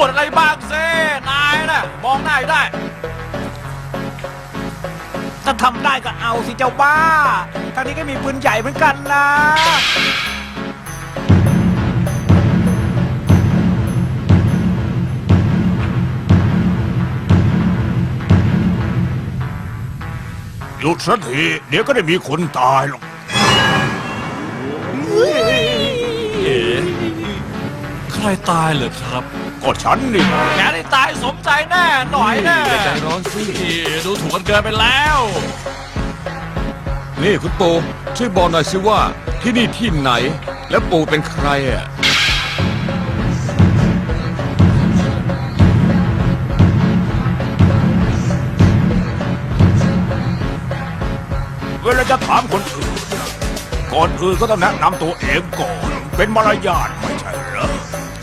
ดอะไรบ้างสินายน่ะมองหน้าได้ถ้าทำได้ก็เอาสิเจ้าบ้าทางนี้ก็มีปืนใหญ่เหมือนกันนะหยุดสักทีเดี๋ยวก็ได้มีคนตายหรอกเอ๋ใครตายเหรอครับก็ฉันนี่แกได้ตายสมใจแน่หน่อยแน่อย่าใจร้อนสิดูถูกกันเกินไปแล้วนี่คุณปู่ช่วยบอกหน่อยสิว่าที่นี่ที่ไหน และปู่เป็นใครอ่ะเวลาจะถามคนอื่นนะก่อนอื่นก็ต้องแนะนำตัวเองก่อน เป็นมารยาทไม่ใช่เหรอ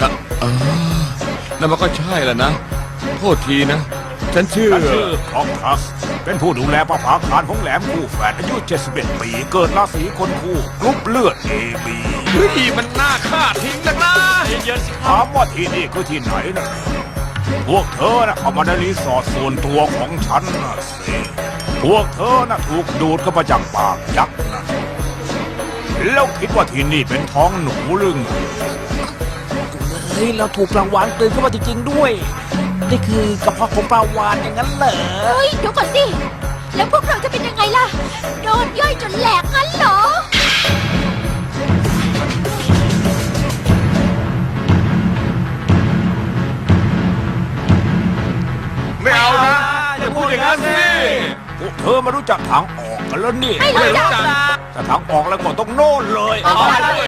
นั่นมันก็ใช่แหละนะ โทษทีนะ ฉันชื่อฉันชื่อคอกทัสเป็นผู้ดูแลประภาคารของแหลมคู่แฝดอายุ 71 ปี เกิดราศีคนคู่กรุ๊ปเลือด AB เฮ้ยมันน่าฆ่าทิ้งนักนะเย็นๆสิคถารับมว่าที่นี่คือที่ไหนนะพวกเธอนะเข้ามาในรีสอร์ทส่วนตัวของฉันนะสิพวกเธอนะถูกดูดเข้ามาจากปากยักษ์นะแล้วคิดว่าที่นี่เป็นท้องหนูหรือไงเฮ้ยเราถูกปลาวานกลืนเข้ามาจริงๆด้วย นี่คือกระเพาะของปลาวานอย่างนั้นเหรอเฮ้ยเดี๋ยวก่อนสิ แล้วพวกเราจะเป็นยังไงล่ะ โดนย่อยจนแหลกงั้นเหรอไม่เอานะอย่าพูดอย่างนั้นสิพวกเธอมารู้จักทางออกกันแล้วนี่ไม่รู้จักถ้าทางออกแล้วก็ต้องโน่นเลยเอาไปเลย